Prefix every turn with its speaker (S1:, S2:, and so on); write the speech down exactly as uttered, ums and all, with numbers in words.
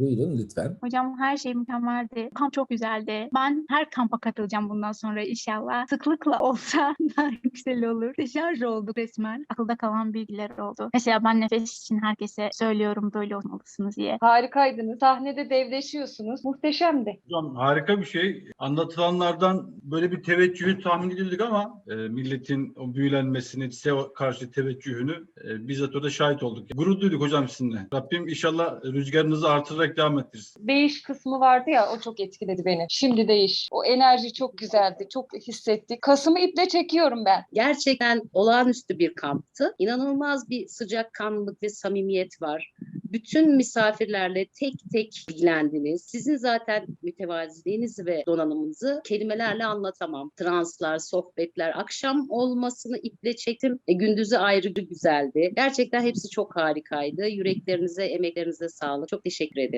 S1: Buyurun lütfen.
S2: Hocam her şey mükemmeldi. Kamp çok güzeldi. Ben her kampa katılacağım bundan sonra inşallah. Sıklıkla olsa daha güzel olur. Deşarj olduk resmen. Akılda kalan bilgiler oldu. Mesela ben nefes için herkese söylüyorum böyle olmalısınız diye.
S3: Harikaydınız. Sahnede devleşiyorsunuz. Muhteşemdi.
S4: Hocam harika bir şey. Anlatılanlardan böyle bir teveccühü tahmin edildik ama e, milletin o büyülenmesini, size karşı teveccühünü e, bizzat orada şahit olduk. Gurur duyduk hocam sizinle. Rabbim inşallah rüzgarınızı artırarak devam ettirsin.
S3: Değiş kısmı vardı ya, o çok etkiledi beni. Şimdi değiş. O enerji çok güzeldi. Çok hissettik. Kasım'ı iple çekiyorum ben.
S5: Gerçekten olağanüstü bir kamptı. İnanılmaz bir sıcakkanlılık ve samimiyet var. Bütün misafirlerle tek tek ilgilendiniz. Sizin zaten mütevaziliğinizi ve donanımınızı kelimelerle anlatamam. Translar, sohbetler, akşam olmasını iple çektim. E, gündüzü ayrı güzeldi. Gerçekten hepsi çok harikaydı. Yüreklerinize, emeklerinize sağlık. Çok teşekkür ederim.